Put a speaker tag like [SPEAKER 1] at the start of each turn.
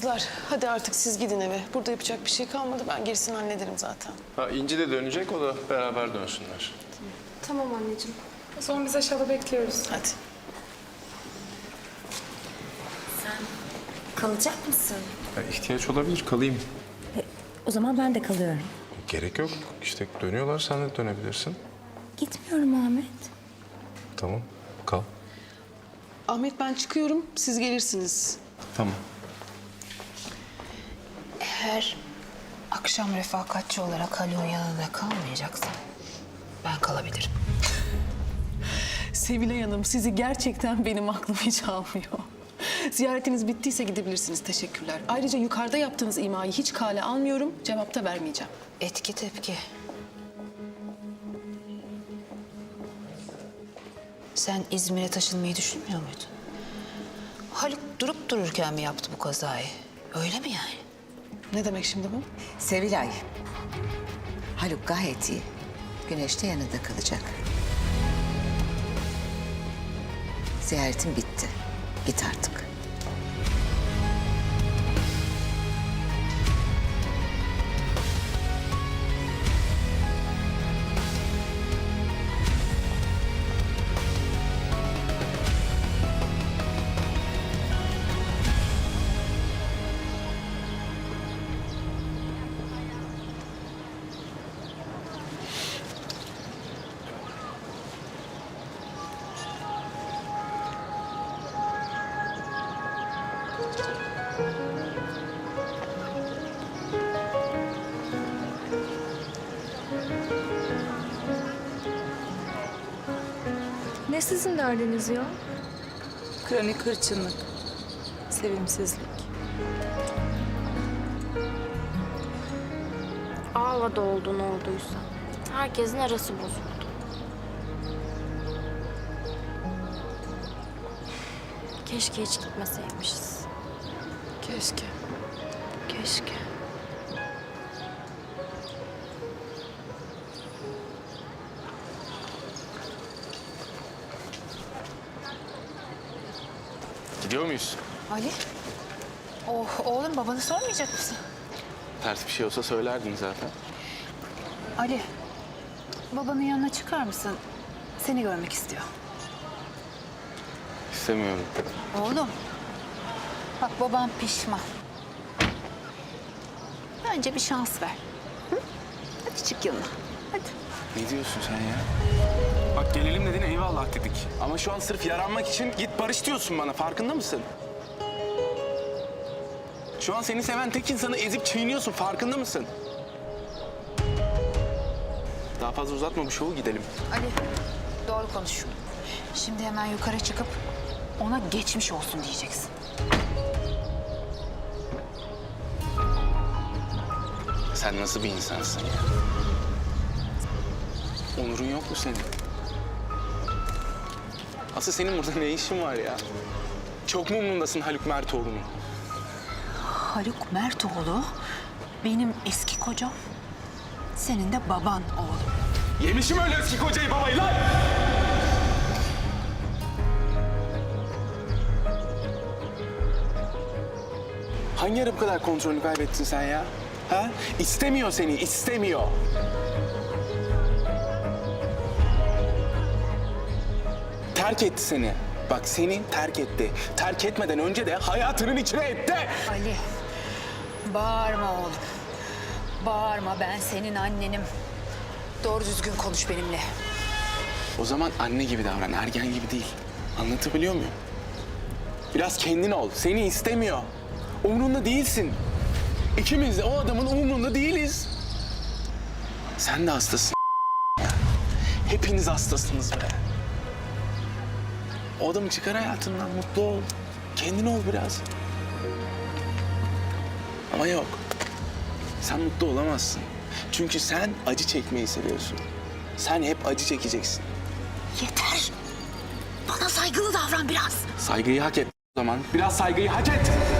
[SPEAKER 1] Kızlar hadi artık siz gidin eve. Burada yapacak bir şey kalmadı. Ben gerisini hallederim zaten.
[SPEAKER 2] Ha, İnci de dönecek, o da beraber dönsünler.
[SPEAKER 3] Tamam anneciğim. O zaman biz aşağıda bekliyoruz.
[SPEAKER 1] Hadi.
[SPEAKER 4] Kalacak mısın?
[SPEAKER 2] Ya, ihtiyaç olabilir, kalayım.
[SPEAKER 4] O zaman ben de kalıyorum.
[SPEAKER 2] Gerek yok. İşte dönüyorlar, sen de dönebilirsin.
[SPEAKER 4] Gitmiyorum Ahmet.
[SPEAKER 2] Tamam, kal.
[SPEAKER 1] Ahmet ben çıkıyorum. Siz gelirsiniz.
[SPEAKER 2] Tamam.
[SPEAKER 5] Eğer akşam refakatçi olarak Haluk'un yanında kalmayacaksan ben kalabilirim.
[SPEAKER 1] Sevilay Hanım sizi gerçekten benim aklım hiç almıyor. Ziyaretiniz bittiyse gidebilirsiniz. Teşekkürler. Ayrıca yukarıda yaptığınız imayı hiç kale almıyorum. Cevap da vermeyeceğim.
[SPEAKER 5] Etki tepki. Sen İzmir'e taşınmayı düşünmüyor muydun? Haluk durup dururken mi yaptı bu kazayı? Öyle mi yani?
[SPEAKER 1] Ne demek şimdi bu?
[SPEAKER 6] Sevilay, Haluk gayet iyi. Güneş de yanında kalacak. Ziyaretin bitti. Git artık.
[SPEAKER 3] Ne sizin derdiniz ya?
[SPEAKER 7] Kronik hırçınlık, sevimsizlik.
[SPEAKER 8] Ağla da oldu ne olduysa. Herkesin arası bozuldu. Keşke hiç gitmeseymişiz.
[SPEAKER 1] Keşke.
[SPEAKER 8] Keşke.
[SPEAKER 2] Gidiyor muyuz?
[SPEAKER 5] Ali? Oh, oğlum babanı sormayacak mısın?
[SPEAKER 2] Ters bir şey olsa söylerdin zaten.
[SPEAKER 5] Ali, babanın yanına çıkar mısın? Seni görmek istiyor.
[SPEAKER 2] İstemiyorum.
[SPEAKER 5] Oğlum, bak babam pişman. Bence bir şans ver. Hı? Hadi çık yanına, hadi.
[SPEAKER 9] Ne diyorsun sen ya? Bak gelelim dedin eyvallah dedik. Ama şu an sırf yaranmak için git barış diyorsun bana, farkında mısın? Şu an seni seven tek insanı ezip çiğniyorsun, farkında mısın? Daha fazla uzatma bu şovu, gidelim.
[SPEAKER 5] Ali, doğru konuş. Şimdi hemen yukarı çıkıp ona geçmiş olsun diyeceksin.
[SPEAKER 9] Sen nasıl bir insansın ya? Onurun yok mu senin? Asıl senin burada ne işin var ya? Çok mu umrundasın Haluk Mertoğlu'nun?
[SPEAKER 5] Haluk Mertoğlu benim eski kocam. Senin de baban oğlum.
[SPEAKER 9] Yemişim öyle eski kocayı babayı lan! Hangi ara bu kadar kontrolünü kaybettin sen ya? Ha? İstemiyor seni, istemiyor. Terk etti seni. Bak seni terk etti. Terk etmeden önce de hayatının içine etti.
[SPEAKER 5] Ali, bağırma oğlum. Bağırma, ben senin annenim. Doğru düzgün konuş benimle.
[SPEAKER 9] O zaman anne gibi davran, ergen gibi değil. Anlatabiliyor muyum? Biraz kendin ol. Seni istemiyor. Umrunda değilsin. İkimiz de o adamın umrunda değiliz. Sen de hastasın. Hepiniz hastasınız be. O adamı çıkar hayatından, mutlu ol. Kendin ol biraz. Ama yok. Sen mutlu olamazsın. Çünkü sen acı çekmeyi seviyorsun. Sen hep acı çekeceksin.
[SPEAKER 5] Yeter. Bana saygılı davran biraz.
[SPEAKER 9] Saygıyı hak et o zaman. Biraz saygıyı hak et.